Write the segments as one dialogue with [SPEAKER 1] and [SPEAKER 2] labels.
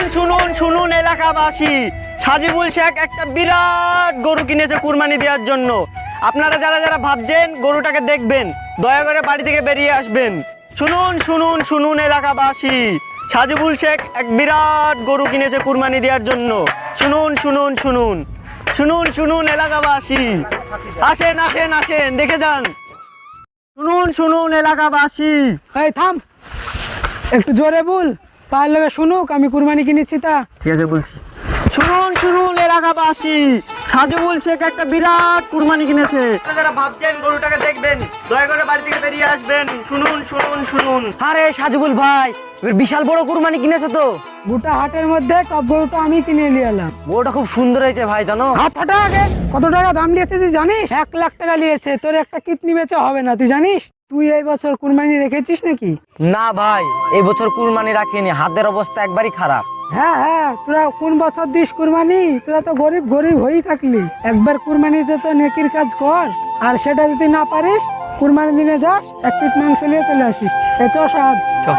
[SPEAKER 1] শুনুন শুনুন এলাকাবাসী, সাজিবুল শেখ একটা বিরাট গরু কিনেছে কুরবানি দেওয়ার জন্য। আপনারা যারা যারা ভাবছেন গরুটাকে দেখবেন, দয়া করে বাড়ি থেকে বেরিয়ে আসবেন। শুনুন শুনুন শুনুন এলাকাবাসী, সাজিবুল শেখ এক বিরাট গরু কিনেছে কুরবানি দেওয়ার জন্য। শুনুন শুনুন শুনুন শুনুন শুনুন এলাকাবাসী, আসেন আসেন আসেন, দেখে যান। শুনুন শুনুন এলাকাবাসী।
[SPEAKER 2] এই থাম, একটু জোরে বল, পায়ের লগে শুনুক আমি কুরবানি কিনেছি তা।
[SPEAKER 1] ঠিক আছে বলছি। শুনুন শুনুন এলাকাবাসী, সাজিবুল শেখ একটা বিরাট কুরবানি কিনেছে। যারা ভাবছেন গরুটাকে দেখবেন, দয়া করে বাড়ি থেকে বেরিয়ে আসবেন। শুনুন শুনুন শুনুন।
[SPEAKER 3] আরে সাজিবুল ভাই, এবার বিশাল বড় কুরবানি কিনেছো তো।
[SPEAKER 2] গোটা হাটের মধ্যে টপ গরুটা আমি কিনে নিয়ে এলাম।
[SPEAKER 3] গরুটা খুব সুন্দর হয়েছে ভাই, জানো?
[SPEAKER 2] হাত ফাটা আগে কত টাকা দাম নিয়েছে তুই জানিস? 1 লাখ টাকা নিয়েছে। তোর একটা কিডনি বেচা হবে না, তুই জানিস? তুই এই বছর কুরবানি রেখেছিস নাকি?
[SPEAKER 3] না ভাই, এই বছর কুরবানি রাখিনি, হাতের অবস্থা একবারই খারাপ।
[SPEAKER 2] হ্যাঁ হ্যাঁ, তোরা কোন বছর দিস কুরবানি? তোরা তো গরিব গরিব হয়েই থাকলি। একবার কুরবানিতে তো নেকির কাজ কর, আর সেটা যদি না পারিস কুরবানির দিনে যাস, 1 পিস মাংস নিয়ে চলে আসিস। চ সাদ
[SPEAKER 1] চ।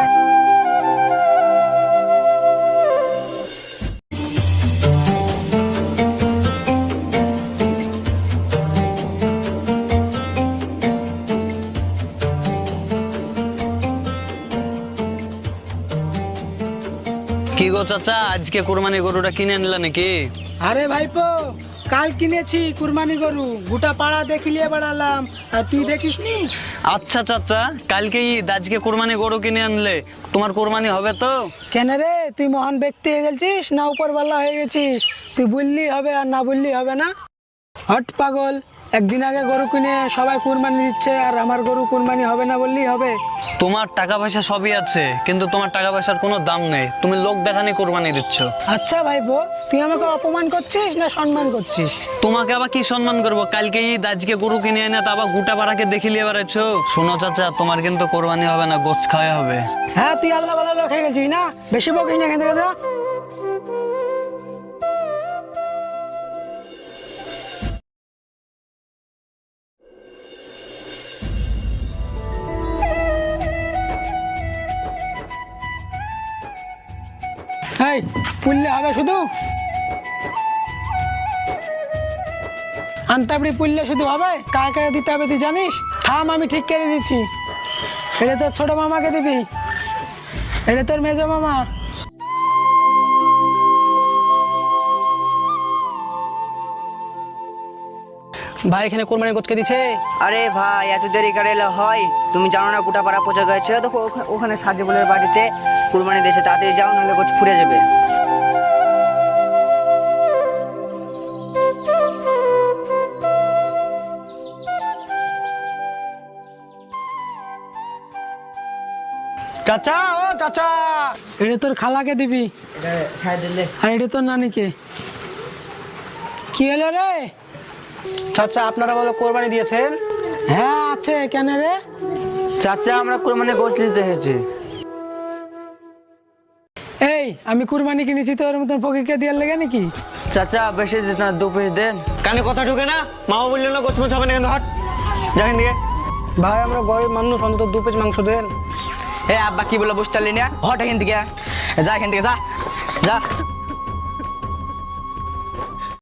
[SPEAKER 4] কি গো চাচা, আজকে কুরবানি গরুটা কিনে আনলা নাকি?
[SPEAKER 2] আরে ভাইপো, কাল কিনেছি কুরবানি গরু, গোটা পাড়া দেখিলিয়ে বেড়ালাম, আর তুই দেখিসনি?
[SPEAKER 4] আচ্ছা চাচা, কালকে ঈদ, আজকে কুরবানি গরু কিনে আনলে তোমার কুরবানি হবে তো?
[SPEAKER 2] কেন রে, তুই মহান ব্যক্তি হয়ে গেছিস না উপরওয়ালা হয়ে গেছিস? তুই বললি হবে আর না বললি হবে না? হট পাগল, একদিন আগে গরু কিনে সবাই কুরবানি দিচ্ছে, আর আমার গরু কুরবানি হবে না বললেই হবে?
[SPEAKER 4] তোমার টাকা পয়সা সবই আছে, কিন্তু তোমার টাকা পয়সার কোনো দাম নেই। তুমি লোক দেখানি কুরবানি দিচ্ছ।
[SPEAKER 2] আচ্ছা ভাইপো, তুই আমাকে অপমান করছিস না সম্মান করছিস?
[SPEAKER 4] তোমাকে আবার কি সম্মান করবো? কালকে ঈদ, আজকে গরু কিনে এনে তা আবার গোটা পাড়াকে দেখিলিয়ে বেড়াচ্ছ। শোনো চাচা, তোমার কিন্তু কোরবানি হবে না, গোছ খাওয়া হবে।
[SPEAKER 2] হ্যাঁ, তুই আল্লাহ ভালো লোক হয়ে গেছিস না? বেশি বকিস না, এখান থেকে যা। এই পুললে হবে শুধু? আন্তাবড়ি পুললে শুধু হবে? কাকে কাকে দিতে হবে তুই জানিস? থাম, আমি ঠিক করে দিচ্ছি। এটা তোর ছোট মামাকে দিবি, এটা তোর মেজো মামা।
[SPEAKER 3] ভাই এখানে কোরবানি গোছকে দিছে।
[SPEAKER 5] আরে ভাই, এত দেরি করে এলে হয়? তুমি জানো না গোটা পাড়া পচে গেছে? দেখো ওখানে সাজিবুলের বাড়িতে কুরবানি দেশে, তাড়াতাড়ি যাও, নাহলে গোছ ফুরে যাবে।
[SPEAKER 3] চাচা, ও চাচা,
[SPEAKER 2] এটা তোর খালাকে দিবি, আর এটা তোর নানিকে। কি হলো রে?
[SPEAKER 3] চাচা আপনারা বলো কোরবানি দিয়েছেন?
[SPEAKER 2] হ্যাঁ আছে, কেন রে?
[SPEAKER 3] চাচা আমরা কোরবানি গোছ দিতে এসেছি।
[SPEAKER 2] এই আমি কুরবানি কিনেছি, তোর মতন ফকিরকে দেওয়ার লেগে নাকি?
[SPEAKER 3] চাচা বেশি দিতে না, 2 পিস দেন।
[SPEAKER 1] কানে কথা ঢুকে না? মামা বললো না গোছমোছ হবে না, কিন্তু হট যাকেন দিকে।
[SPEAKER 2] ভাই আমরা গরিব মানুষ, অন্তত 2 পিস মাংস দেন।
[SPEAKER 5] এ আব্বা কি বলে বসতে না? হট এখান থেকে যা, এখান থেকে যা যা।